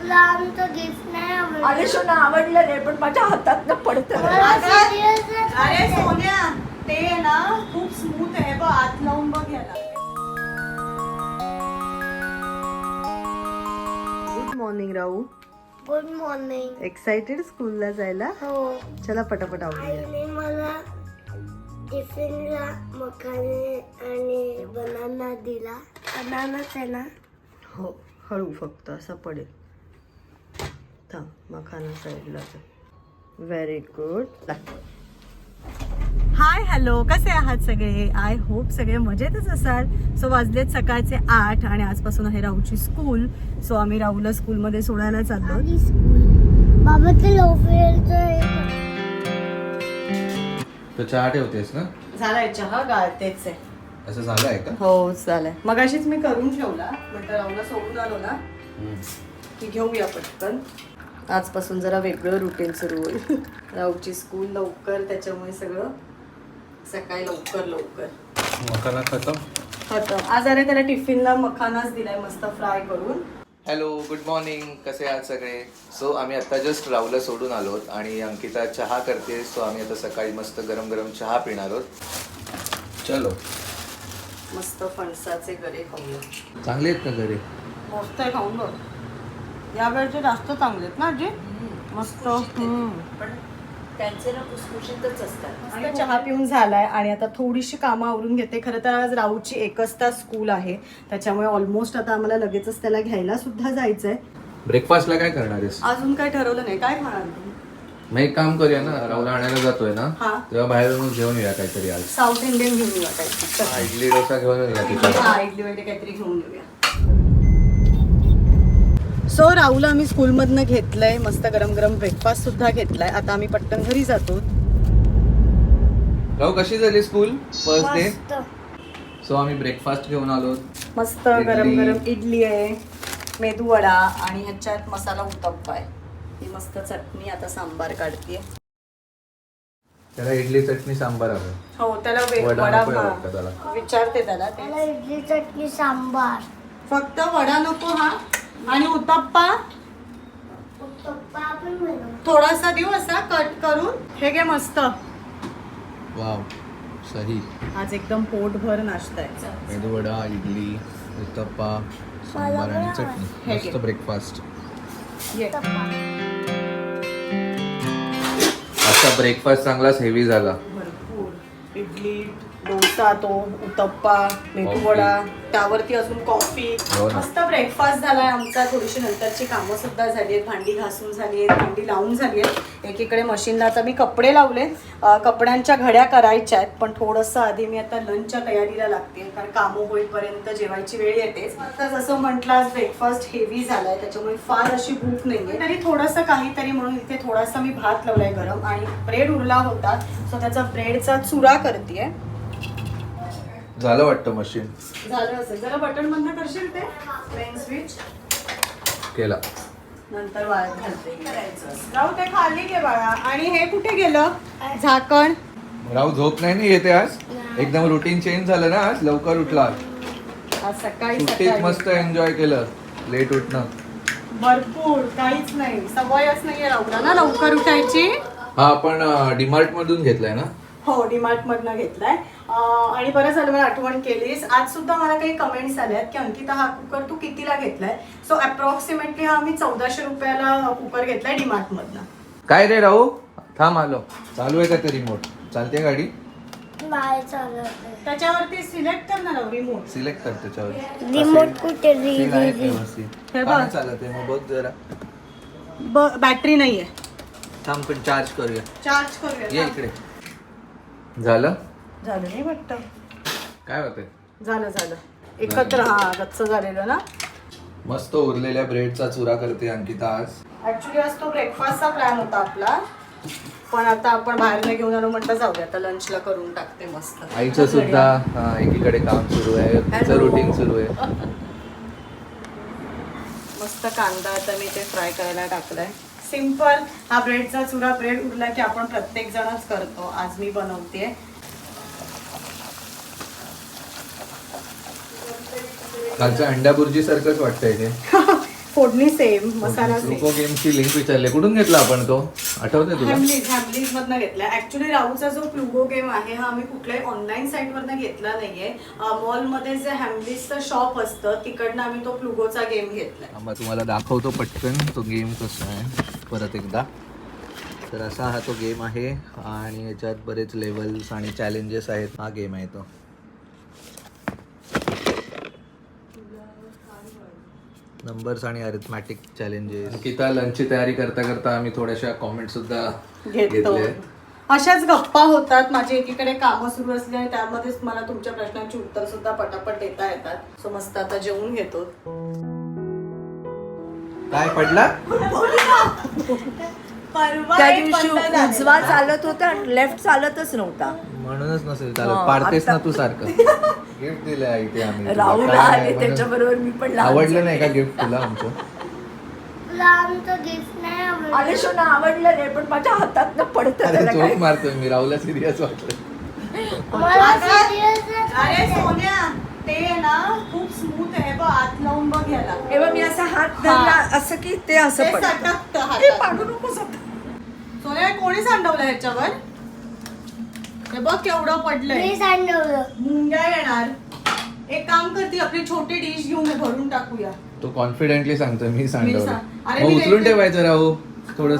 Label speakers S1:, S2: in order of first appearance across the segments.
S1: तुला आमचं गिफ्ट नाही आवडलं.
S2: अरे सोना आवडलं नाही पण माझ्या हातात पडतं.
S3: अरे सोन्या ते ना खूप स्मूथ आहे बघ, आत लावून बघ याला.
S2: Good morning Rahu.
S1: Good morning.
S2: Excited स्कूलला जायला.
S1: हो,
S2: चला पटापट आवडूया.
S1: आईने मला टिफिनला मखाने आणि बनाना दिला. बनानाच आहे ना.
S2: हो हळू फक्त असं पडेल. थांब मखाना साईडला. Very good. हाय हॅलो, कसे आहात सगळे? आय होप सगळे मजेतच असाल. सो वाजलेत सकाळचे 8 आणि आजपासून आहे राहूची स्कूल. सो आम्ही राहूला स्कूलमध्ये सोडायला चाललो.
S1: आणि स्कूल बाबा ते लोफेअरचं
S4: तो चहा ठेवतेस ना?
S2: झालाय चहा, गाळतेच आहे.
S4: असं झालं आहे का?
S2: हो झालंय. मगाशीच मी करून ठेवला. म्हटलं राहूला सोडून आलो ना की घेऊया पटकन. आजपासून जरा वेगळं रुटीन सुरू होईल. राहूची स्कूल लवकर, त्याच्यामुळे सगळं सकाळी लवकर
S4: मखाना खतम.
S2: खतम. आज अरे त्याला टिफिनला मखानाच दिलाय मस्त फ्राय करून.
S4: Hello, good morning. कसे आहात सगळे? सो आम्ही आता जस्ट राहुला सोडून आलो आणि अंकिता चहा करते. सो आम्ही आता सकाळी मस्त गरम गरम चहा पिणार आहोत. चलो.
S2: मस्त फणसाचे गरे खाऊया.
S4: चांगले आहेत का घरी?
S2: मस्त आहे, खाऊन बघ. या वेळचे जास्त चांगले आहेत ना आजी? मस्त.
S5: पण त्यांचे ना खुसखुशीतच असतात.
S2: आणि चहा पिऊन झालाय आणि आता थोडीशी कामं आवरून घेते. खरं तर आज राहूची 1 तास स्कूल आहे, त्याच्यामुळे ऑलमोस्ट आता आम्हाला लगेचच त्याला घ्यायला सुद्धा जायचंय.
S4: ब्रेकफास्टला काय करणार आहेस?
S2: अजून काही ठरवलं नाही. काय खाणार तू?
S4: मग एक काम करूया ना, राहुला आणायला जातोय ना,
S2: हा.
S4: तेव्हा बाहेरून घेऊन येऊया काहीतरी आज.
S2: साऊथ इंडियन घेऊन येऊया काहीतरी.
S4: हा, इडली डोसा घेऊन येऊया तिथं.
S2: हा, इडली वगैरे काहीतरी घेऊन येऊया. सो राहुला आम्ही स्कूलमधनं घेतलंय, मस्त गरम गरम ब्रेकफास्ट सुद्धा घेतलाय. आता आम्ही पटकन घरी जातो.
S4: राहू, कशी झाली स्कूल फर्स्ट डे?
S1: मस्त.
S4: सो आम्ही ब्रेकफास्ट घेऊन आलो.
S2: मस्त गरम गरम इडली आहे, मेदू वडा आणि ह्याच्यात मसाला उत्तप्पा आहे. ही मस्त चटणी. आता सांबार काढतीये.
S4: त्याला इडली चटणी सांबार हवं.
S2: हो त्याला
S4: वडा
S2: वडा
S4: नको आहे वाटतं त्याला.
S2: विचारते त्याला ते.
S1: मला इडली चटणी सांबार.
S2: फक्त वडा नको हा. आणि उत्तप्पा
S1: पप्पा आपण बनवू.
S2: थोडासा देऊ असा कट करून. हे घे मस्त.
S4: वाव, सही.
S2: आज एकदम पोटभर नाश्ता आहे.
S4: मेदू वडा, इडली, उत्तप्पा, सांबार आणि चटणी.
S2: हे
S4: मस्त
S2: घे.
S4: ब्रेकफास्ट.
S2: ये.
S4: आता ब्रेकफास्ट चांगलाच हेवी झाला.
S2: भरपूर इडली, डोसा, तो उत्तप्पा, मेदू वडा, त्यावरती अजून कॉफी.
S4: हो ना.
S2: मस्त ब्रेकफास्ट झालाय आमचा. थोडीशी नंतरची कामं सुद्धा झाली आहेत. भांडी घासून झाली आहेत, भांडी लावून झाली आहेत. एकीकडे मशीनला आता मी कपडे लावले. कपड्यांच्या घड्या करायच्या आहेत, पण थोडंसं आधी मी आता लंचच्या तयारीला लागते, कारण कामं होईपर्यंत जेवायची वेळ येतेच. आता जसं म्हटलं आज ब्रेकफास्ट हेवी झालाय, त्याच्यामुळे फार अशी भूक नाहीये. तरी थोडंसं काहीतरी म्हणून इथे थोडासा मी भात लावलाय गरम आणि ब्रेड उरला होता, सो त्याचा ब्रेडचा चुरा करतेय.
S4: झालं वाटतं मशीन.
S2: झालं असेल. जरा बटन बंद करशील ते मेन स्विच.
S4: केला.
S2: नंतर वाळत घालते. राहू ते खाली घे बाळा. आणि हे कुठे गेलं झाकण?
S4: राहू झोप नाही ना येते आज? एकदम रुटीन चेंज झालं ना आज? लवकर उठला.
S2: आज सकाळी
S4: सुट्टीत
S2: सकाळी
S4: मस्त एन्जॉय केलं. लेट उठणं.
S2: भरपूर. काहीच नाही, सवयच नाहीये राहूला ना लवकर उठायची.
S4: हा, आपण डीमार्ट मधून घेतलाय ना?
S2: हो, डीमार्ट मधनं घेतलाय. आणि बरं झालं मला आठवण केलीस. आज सुद्धा मला काही कमेंट्स आल्यात की अंकिता हा कुकर तू कितीला घेतलाय. सो अप्रॉक्सिमेटली हा मी 1400 रुपयाला कुकर घेतलाय डीमार्ट मधनं.
S4: काय रे राहू? थांब आलो. चालू आहे का ते रिमोट? चालते गाडी?
S1: नाही चालत.
S2: त्याच्यावरती सिलेक्ट कर ना रिमोट.
S4: सिलेक्ट कर त्याच्यावर.
S1: रिमोट कुठे?
S4: Seal आहे व्यवस्थित.
S2: हे
S4: का
S2: बघ.
S4: नाही चालत आहे? मग बघ जरा.
S2: बॅटरी नाहीये.
S4: थांब पण चार्ज करूया.
S2: चार्ज
S4: ये
S2: करूया.
S4: इकडे. झालं?
S2: झालं नाही वाटतं.
S4: काय होतंय?
S2: झालं एकत्र. हा, गच्च झालेलं ना.
S4: मस्त उरलेल्या ब्रेडचा चुरा करते अंकिता आज.
S2: ऍक्च्युली आज तो ब्रेकफास्टचा प्लॅन होता आपला, पण आता आपण बाहेर घेऊन आलो, म्हटलं जाऊया आता लंचला करून टाकते मस्त.
S4: आईचं सुद्धा एकीकडे काम सुरू आहे, तिचं रुटीन सुरू आहे.
S2: मस्त कांदा आता मी ते फ्राय करायला टाकलाय. सिंपल. हा ब्रेडचा चुरा, ब्रेड उरला की आपण प्रत्येक जणच करतो. आज मी बनवते.
S4: कालच्या अंडा बुर्जी सारखंच वाटतंय ते.
S2: फोडणी सेम, मसाला सेम.
S4: ग्रुपो गेमची लिंक विचारली, कुठून घेतला आपण तो, आठवते तुला?
S2: हॅमलीज मधनं घेतला. ऍक्च्युली राहूचा जो प्लुगो गेम आहे हा आम्ही कुठल्याही ऑनलाईन साईट वरनं घेतला नाहीये. मॉलमध्ये जे हॅमलीजचं शॉप असतं तिकडनं आम्ही तो प्लुगोचा गेम घेतलाय.
S4: आम्हाला तुम्हाला दाखवतो पटकन तो गेम कसा आहे परत एकदा. तर असा हा तो गेम आहे आणि याच्यात बरेच लेवल्स आणि चॅलेंजेस आहेत. हा गेम आहे तो. नंबर्स आणि अरिथमॅटिक चॅलेंजेस. अंकिता लंचची तयारी करता करता आम्ही थोड्याशा कॉमेंट सुद्धा
S2: घेतो.
S4: घेतले.
S2: अशाच गप्पा होतात. माझी एकीकडे कामं सुरू असली आणि त्यामध्येच मला तुमच्या प्रश्नांची उत्तर सुद्धा पटापट देता येतात. सो मस्त आता जेवून घेतो.
S4: काय पडला?
S5: त्या दिवशी उजवा चालत होता आणि लेफ्ट चालतच नव्हता.
S4: म्हणूनच नसेल चालत. पाडतेस ना तू सारखं. गिफ्ट दिलंय इथे आम्ही.
S5: राहुल
S4: काय
S5: आले
S4: म्हणून-
S5: त्याच्याबरोबर मी पण लहान
S4: आवडलं
S5: झाले.
S4: नाही का गिफ्ट तुला आमचं?
S1: तुला आमचं गिफ्ट नाही आवडलं.
S5: अरे शोना आवडलं नाही पण माझ्या हातात पडत
S4: अरे
S5: त्याला
S4: चोख
S5: काय.
S4: मारतोय मी. राहुलला सिरियस वाटलं.
S1: मला serious
S3: अरे सोन्या ते ना खूप स्मूथ आहे बघ, आत लावून बघ याला.
S5: तेव्हा मी असा हात धरला असं की ते असं
S3: ते
S5: पडतं.
S3: सटकतं
S5: ते
S3: हातात.
S5: पाडू नकोस आता.
S3: सोन्या कोणी सांडवलं ह्याच्यावर? हे बघ केवढं पडलंय.
S1: मी सांडवलं.
S3: मुंग्या येणार. एक काम करते, आपली छोटी डिश घेऊन भरून टाकूया.
S4: तो कॉन्फिडेंटली सांगतोय मी सांडवलं.
S3: अरे
S4: मग
S3: मी
S4: उचलून
S3: लेट-
S4: ठेवायचं राहू थोडस.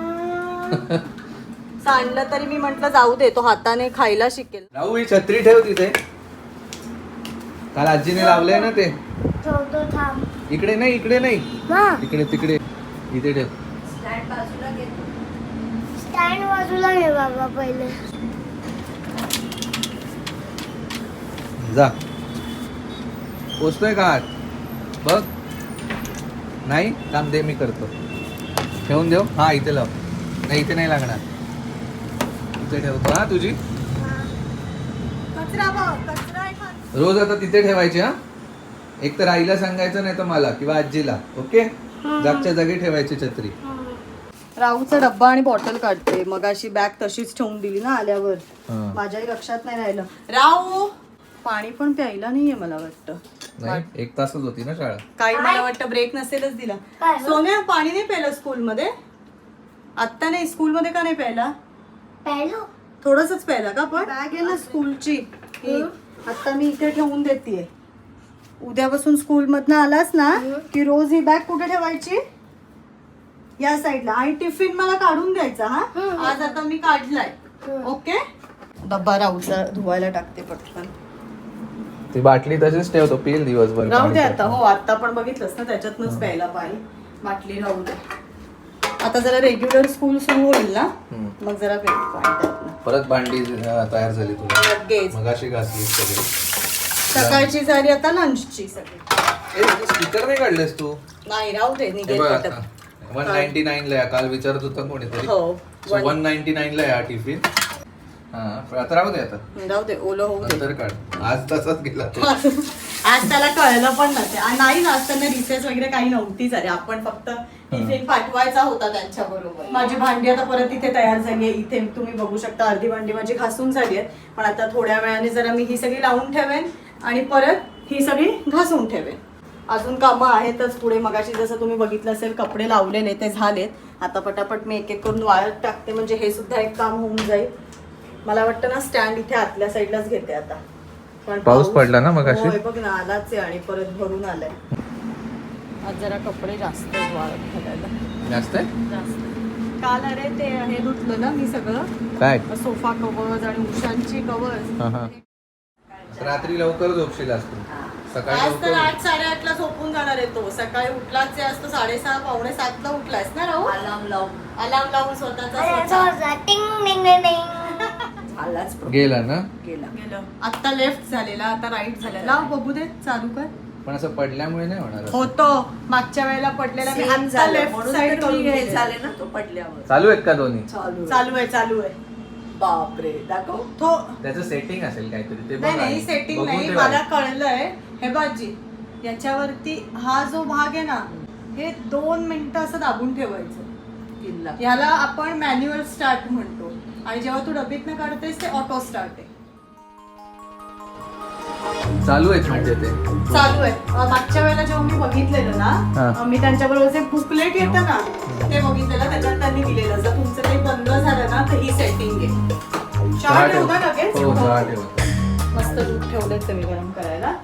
S2: सांडलं तरी मी म्हंटल जाऊ दे, तो हाताने खायला शिकेल.
S4: राहू ही छत्री ठेव तिथे. काल आजीने लावलंय ना ते.
S1: ठेवतो थांब.
S4: इकडे नाही, इकडे नाही,
S1: हा
S4: इकडे तिकडे इथे ठेव.
S5: स्टँड बाजूला घेतो.
S1: स्टँड बाजूला घे बाबा पहिले.
S4: जा. पोचतोय का आत? बघ. नाही काम दे, मी करतो. ठेवून देऊ. हा इथे लाव. नाही इथे नाही लागणार. इथे ठेवतो. हा तुझी
S3: कचरा बघ, कचरा आहे खाली.
S4: रोज आता तिथे ठेवायची. हा एक तर आईला सांगायचं नाही तर मला किंवा आजीला. ओके. जागच्या जागी ठेवायची छत्री.
S2: राहूचा डब्बा आणि बॉटल काढते. मग अशी बॅग तशीच ठेवून दिली ना आल्यावर.
S4: हा.
S2: माझ्याही लक्षात नाही राहिलं. राहू पाणी पण प्यायला नाहीये मला वाटतं.
S4: नाही 1 तासच होती ना शाळा.
S2: काही मला वाटतं ब्रेक नसेलच दिला.
S1: काय गं?
S2: सोन्या पाणी नाही प्यायलं स्कूलमध्ये? आत्ता नाही, स्कूलमध्ये का नाही प्यायला?
S1: पहिलो
S2: थोडंसंच प्यायला का? पण बॅग आहे ना स्कूलची ही आता मी इथे ठेवून देते. उद्यापासून स्कूल मधनं आलास ना की रोज ही बॅग कुठे ठेवायची? या साईडला. आणि टिफिन मला काढून द्यायचा. हा आज आता मी काढलाय. ओके. डब्बा राहूचा धुवायला टाकते पटकन.
S4: ती बाटली तशीच ठेवतो, पिल दिवसभर.
S2: राहू दे
S4: पाणी
S2: आता. हो आता पण बघितलंस ना त्याच्यातनंच प्यायला पाणी. बाटली राहू दे. आता जरा रेग्युलर स्कूल सुरू होईल ना मग जरा पाणी त्यातनं.
S4: परत भांडी तयार झाली तुला.
S2: लगेच
S4: मगाशी घासली सगळी.
S2: सकाळची झाली आता लंचची सगळी.
S4: स्पीकर नाही काढलेस तू?
S2: नाही राहू दे
S4: हे
S2: निघेल
S4: बघ
S2: पटकन.
S4: आता 199 ला आहे. काल विचारत होता कोणीतरी.
S2: हो
S4: 199 ला आहे हा टिफिन. हा आता राहू दे. आता
S2: राहू दे ओलं होऊ दे.
S4: नंतर काढ. आज तसाच गेला तो.
S2: आज त्याला कळलं पण नसेल. नाही आज त्यांना रिसेस वगैरे काही नव्हतीच. अरे आपण फक्त टिफिन पाठवायचा होता त्यांच्या बरोबर. माझी भांडी आता परत इथे तयार झाली आहे. इथे तुम्ही बघू शकता अर्धी भांडी माझी घासून झाली आहे. पण आता थोड्या वेळाने जरा मी ही सगळी लावून ठेवेन आणि परत ही सगळी घासून ठेवेन. अजून कामं आहेतच पुढे. मगाशी जसं तुम्ही बघितलं असेल कपडे लावलेले ते झालेत. आता पटापट मी एक एक करून वाळत टाकते म्हणजे हे सुद्धा एक काम होऊन जाईल. मला वाटतं ना स्टँड इथे आतल्या साईडलाच घेते आता. कारण
S4: पाऊस पडला ना मगाशी?
S2: होय, बघ ना आलाच आहे आणि परत भरून आलाय. आज जरा कपडे जास्त आहेत वाळत घालायला.
S4: जास्त आहे?
S2: जास्त. काल अरे ते हे धुतलं ना मी सगळं.
S4: काय?
S2: सोफा कवर्स आणि उशांची कवर्स.
S4: हा, हा. रात्री लवकर झोपशील असतो. सकाळी
S2: आज तर
S4: लवकर.
S2: 8-8:30 ला झोपून जाणार आहे तो. सकाळी उठलाच आहे. आज तो 6:30 पावणे 7 ला उठलायस ना राहू?
S5: अलार्म लावून
S2: अलार्म लावून स्वतःचा
S1: अरे
S2: स्वतः.
S1: जोरदार. टिंग टिंग टिंग टिंग.
S5: झालाच
S4: गेला ना.
S5: गेला.
S2: गेलं. आता लेफ्ट झालेला आता राईट झालेला. बघू दे चालू कर.
S4: पण असं पडल्यामुळे नाही होणार असं.
S2: होतो मागच्या वेळेला पडलेला मी
S5: Same
S2: आता
S5: झालं.
S2: लेफ्ट
S5: म्हणून
S2: साइड
S5: तर मी
S2: करून
S5: हे
S2: दिलेलं.
S5: झाले ना तो पडल्यावर.
S4: चालू आहेत का दोन्ही?
S2: चालू आहे चालू आहे.
S5: बापरे दाखव.
S2: तो
S4: त्याचं सेटिंग असेल काहीतरी ते बघ
S2: नाही
S4: आणि
S2: नाही सेटिंग
S4: बघून
S2: नाही.
S4: ठेव
S2: मला
S4: आधी.
S2: कळलंय. हे बाजी याच्यावरती हा जो भाग आहे ना हे 2 मिनिटं असं दाबून ठेवायचं.
S5: किल्ला.
S2: याला आपण मॅन्युअल स्टार्ट म्हणतो आणि जेव्हा तू डबीतनं काढतेस ते ऑटो स्टार्ट आहे.
S4: चालू आहेत म्हणजे ते
S2: चालू आहे. मागच्या वेळेला जेव्हा मी बघितलेलं ना,
S4: हा.
S2: मी त्यांच्याबरोबर जे बुकलेट येतं ना ते बघितलेलं, त्याच्यात त्यांनी दिलेलं जर तुमचं काही बंद झालं ना तर ही सेटिंग आहे. चहा ठेवता लगेच.
S4: हो चहा ठेवा.
S2: मस्त दूध ठेवलेत तुम्ही गरम करायला.